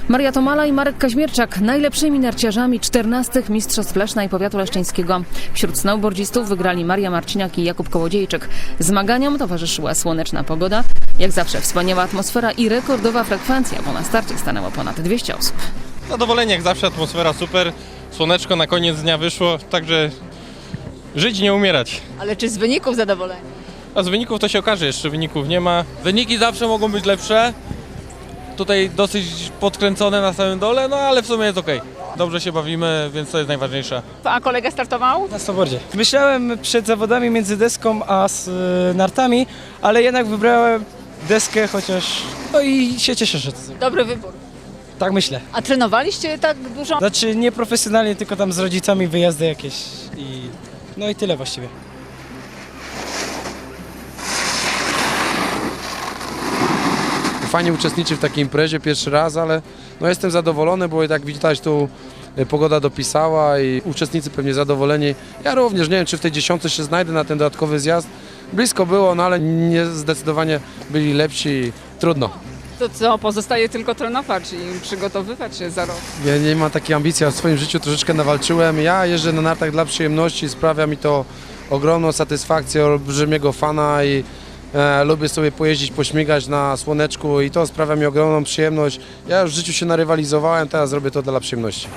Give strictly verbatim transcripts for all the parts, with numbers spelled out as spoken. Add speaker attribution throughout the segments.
Speaker 1: Maria Tomala i Marek Kaźmierczak najlepszymi narciarzami czternastych Mistrzostw Leszna i Powiatu Leszczyńskiego. Wśród snowboardzistów wygrali Maria Marciniak i Jakub Kołodziejczyk. Zmaganiom towarzyszyła słoneczna pogoda, jak zawsze wspaniała atmosfera i rekordowa frekwencja, bo na starcie stanęło ponad dwieście osób.
Speaker 2: Zadowolenie jak zawsze, atmosfera super, słoneczko na koniec dnia wyszło, także żyć, nie umierać.
Speaker 3: Ale czy z wyników zadowoleni?
Speaker 2: A z wyników to się okaże, jeszcze wyników nie ma.
Speaker 4: Wyniki zawsze mogą być lepsze. Tutaj dosyć podkręcone na samym dole, no ale w sumie jest okej. Dobrze się bawimy, więc to jest najważniejsze.
Speaker 3: A kolega startował?
Speaker 5: Na snowboardzie. Myślałem przed zawodami między deską a z, y, nartami, ale jednak wybrałem deskę, chociaż no i się cieszę, że to zrobiłem.
Speaker 3: Dobry wybór.
Speaker 5: Tak myślę.
Speaker 3: A trenowaliście tak dużo?
Speaker 5: Znaczy nie profesjonalnie, tylko tam z rodzicami wyjazdy jakieś i no i tyle właściwie.
Speaker 6: Fajnie uczestniczyć w takiej imprezie pierwszy raz, ale no jestem zadowolony, bo jak widać tu pogoda dopisała i uczestnicy pewnie zadowoleni. Ja również nie wiem, czy w tej dziesiątce się znajdę na ten dodatkowy zjazd. Blisko było, no ale nie, zdecydowanie byli lepsi i trudno.
Speaker 3: To co, pozostaje tylko trenować i przygotowywać się za rok.
Speaker 6: Ja nie mam takiej ambicji, a w swoim życiu troszeczkę nawalczyłem. Ja jeżdżę na nartach dla przyjemności, sprawia mi to ogromną satysfakcję, olbrzymiego fana i E, lubię sobie pojeździć, pośmigać na słoneczku i to sprawia mi ogromną przyjemność. Ja już w życiu się narywalizowałem, teraz robię to dla przyjemności.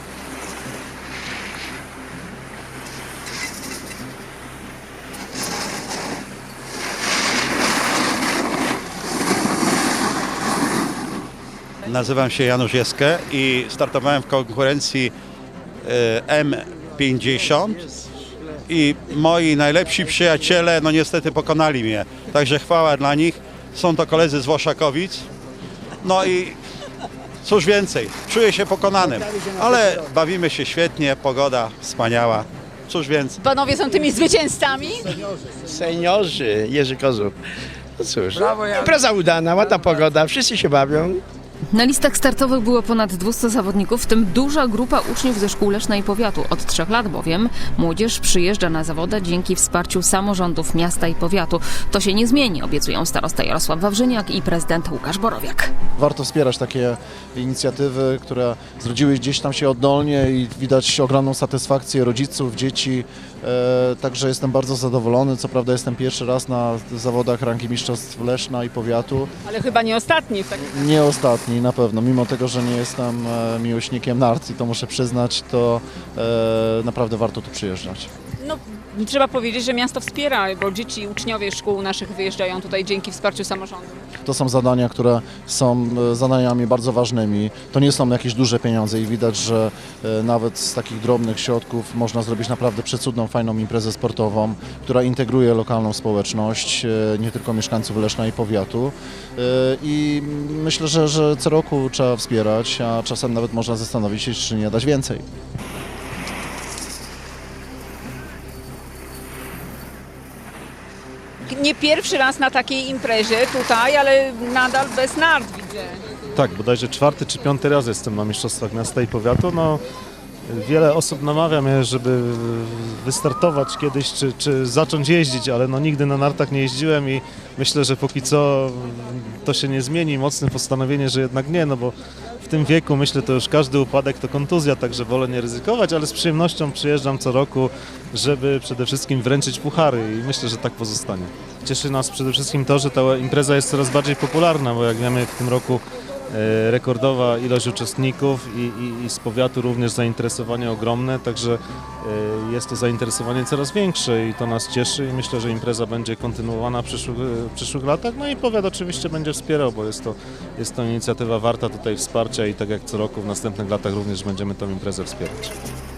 Speaker 7: Nazywam się Janusz Jeskę i startowałem w konkurencji M pięćdziesiąt. I moi najlepsi przyjaciele, no niestety pokonali mnie, także chwała dla nich. Są to koledzy z Włoszakowic. No i cóż więcej, czuję się pokonanym, ale bawimy się świetnie, pogoda wspaniała, cóż więcej.
Speaker 3: Panowie są tymi zwycięzcami?
Speaker 8: Seniorzy, Jerzy Kozub. No cóż, impreza udana, ładna pogoda, wszyscy się bawią.
Speaker 1: Na listach startowych było ponad dwieście zawodników, w tym duża grupa uczniów ze szkół Leszna i Powiatu. Od trzech lat bowiem młodzież przyjeżdża na zawody dzięki wsparciu samorządów miasta i powiatu. To się nie zmieni, obiecują starosta Jarosław Wawrzyniak i prezydent Łukasz Borowiak.
Speaker 9: Warto wspierać takie inicjatywy, które zrodziły gdzieś tam się oddolnie i widać ogromną satysfakcję rodziców, dzieci. E, także jestem bardzo zadowolony. Co prawda jestem pierwszy raz na zawodach rangi mistrzostw Leszna i Powiatu.
Speaker 3: Ale chyba nie ostatni. W takim...
Speaker 9: Nie ostatni na pewno, mimo tego, że nie jestem e, miłośnikiem nart i to muszę przyznać, to e, naprawdę warto tu przyjeżdżać.
Speaker 3: No, trzeba powiedzieć, że miasto wspiera, bo dzieci, uczniowie szkół naszych wyjeżdżają tutaj dzięki wsparciu samorządu.
Speaker 9: To są zadania, które są e, zadaniami bardzo ważnymi. To nie są jakieś duże pieniądze i widać, że e, nawet z takich drobnych środków można zrobić naprawdę przecudną, fajną imprezę sportową, która integruje lokalną społeczność, e, nie tylko mieszkańców Leszna i Powiatu. E, I myślę, że, że co roku trzeba wspierać, a czasem nawet można zastanowić się, czy nie dać więcej.
Speaker 3: Nie pierwszy raz na takiej imprezie tutaj, ale nadal bez nart widzę.
Speaker 10: Tak, bodajże czwarty czy piąty raz jestem na Mistrzostwach Miasta i Powiatu. No, wiele osób namawia mnie, żeby wystartować kiedyś, czy, czy zacząć jeździć, ale no, nigdy na nartach nie jeździłem i myślę, że póki co to się nie zmieni. Mocne postanowienie, że jednak nie, no bo w tym wieku myślę, to już każdy upadek to kontuzja, także wolę nie ryzykować, ale z przyjemnością przyjeżdżam co roku, żeby przede wszystkim wręczyć puchary i myślę, że tak pozostanie. Cieszy nas przede wszystkim to, że ta impreza jest coraz bardziej popularna, bo jak wiemy w tym roku e, rekordowa ilość uczestników i, i, i z powiatu również zainteresowanie ogromne, także e, jest to zainteresowanie coraz większe i to nas cieszy i myślę, że impreza będzie kontynuowana w przyszłych, w przyszłych latach. No i powiat oczywiście będzie wspierał, bo jest to, jest to inicjatywa warta tutaj wsparcia i tak jak co roku w następnych latach również będziemy tę imprezę wspierać.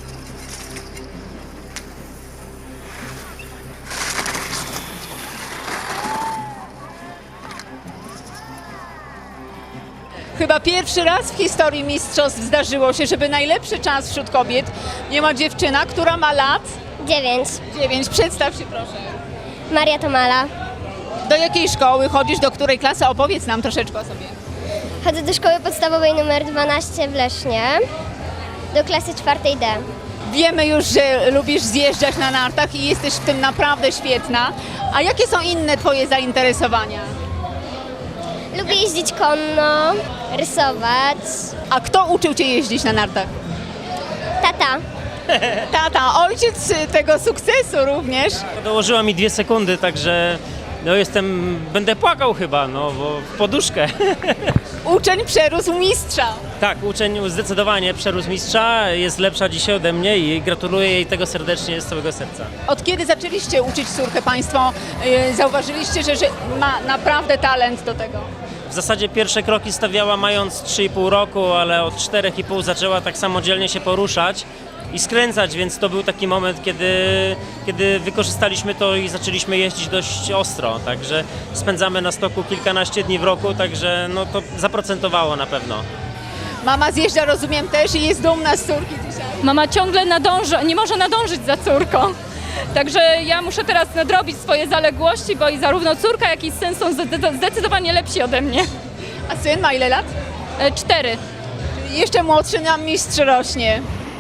Speaker 3: Chyba pierwszy raz w historii mistrzostw zdarzyło się, żeby najlepszy czas wśród kobiet miała dziewczyna, która ma lat
Speaker 11: Dziewięć.
Speaker 3: dziewięć. Przedstaw się proszę.
Speaker 11: Maria Tomala.
Speaker 3: Do jakiej szkoły chodzisz, do której klasy? Opowiedz nam troszeczkę o sobie.
Speaker 11: Chodzę do szkoły podstawowej numer dwanaście w Lesznie, do klasy czwartej D.
Speaker 3: Wiemy już, że lubisz zjeżdżać na nartach i jesteś w tym naprawdę świetna. A jakie są inne twoje zainteresowania?
Speaker 11: Lubię jeździć konno, rysować.
Speaker 3: A kto uczył Cię jeździć na nartach?
Speaker 11: Tata.
Speaker 3: Tata, ojciec tego sukcesu również.
Speaker 12: Dołożyła mi dwie sekundy, także no jestem, będę płakał chyba, no bo w poduszkę.
Speaker 3: Uczeń przerósł mistrza.
Speaker 12: Tak, uczeń zdecydowanie przerósł mistrza, jest lepsza dzisiaj ode mnie i gratuluję jej tego serdecznie z całego serca.
Speaker 3: Od kiedy zaczęliście uczyć córkę Państwo, yy, zauważyliście, że, że ma naprawdę talent do tego?
Speaker 12: W zasadzie pierwsze kroki stawiała mając trzy i pół roku, ale od czterech i pół zaczęła tak samodzielnie się poruszać i skręcać, więc to był taki moment, kiedy, kiedy wykorzystaliśmy to i zaczęliśmy jeździć dość ostro, także spędzamy na stoku kilkanaście dni w roku, także no to zaprocentowało na pewno.
Speaker 3: Mama zjeżdża, rozumiem, też i jest dumna z córki dzisiaj.
Speaker 13: Mama ciągle nadąża, nie może nadążyć za córką. Także ja muszę teraz nadrobić swoje zaległości, bo i zarówno córka, jak i syn są zde- zdecydowanie lepsi ode mnie.
Speaker 3: A syn ma ile lat?
Speaker 13: E, cztery.
Speaker 3: Czyli jeszcze młodszy nam mistrz rośnie.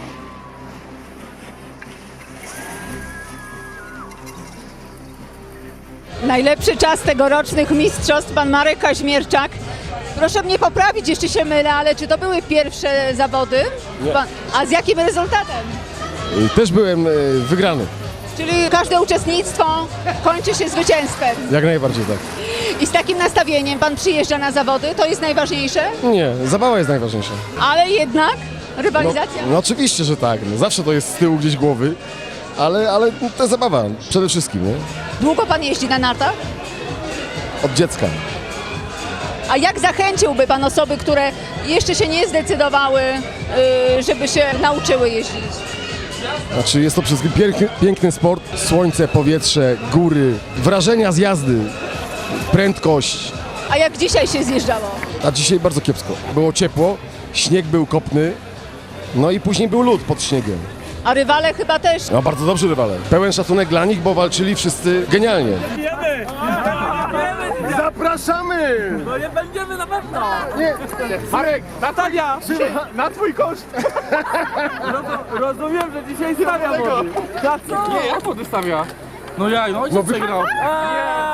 Speaker 3: Najlepszy czas tegorocznych mistrzostw, pan Marek Kaźmierczak. Proszę mnie poprawić, jeśli się mylę, ale czy to były pierwsze zawody? Pan, a z jakim rezultatem?
Speaker 14: Też byłem wygrany.
Speaker 3: Czyli każde uczestnictwo kończy się zwycięstwem.
Speaker 14: Jak najbardziej tak.
Speaker 3: I z takim nastawieniem pan przyjeżdża na zawody, to jest najważniejsze?
Speaker 14: Nie, zabawa jest najważniejsza.
Speaker 3: Ale jednak rywalizacja.
Speaker 14: No, no oczywiście, że tak. No, zawsze to jest z tyłu gdzieś głowy, ale, ale ta zabawa przede wszystkim, nie?
Speaker 3: Długo pan jeździ na nartach?
Speaker 14: Od dziecka.
Speaker 3: A jak zachęciłby pan osoby, które jeszcze się nie zdecydowały, yy, żeby się nauczyły jeździć?
Speaker 14: Znaczy jest to przede wszystkim piękny, piękny sport. Słońce, powietrze, góry, wrażenia z jazdy, prędkość.
Speaker 3: A jak dzisiaj się zjeżdżało?
Speaker 14: A dzisiaj bardzo kiepsko. Było ciepło, śnieg był kopny, no i później był lód pod śniegiem.
Speaker 3: A rywale chyba też.
Speaker 14: No bardzo dobrzy rywale. Pełen szacunek dla nich, bo walczyli wszyscy genialnie.
Speaker 5: Zapraszamy! No nie będziemy na pewno! Nie, Marek, Natalia! Na twój koszt! Rozumiem, że dzisiaj stawia wody. Na co? Nie, jak wody stawia? No ja, no ojciec przegrał.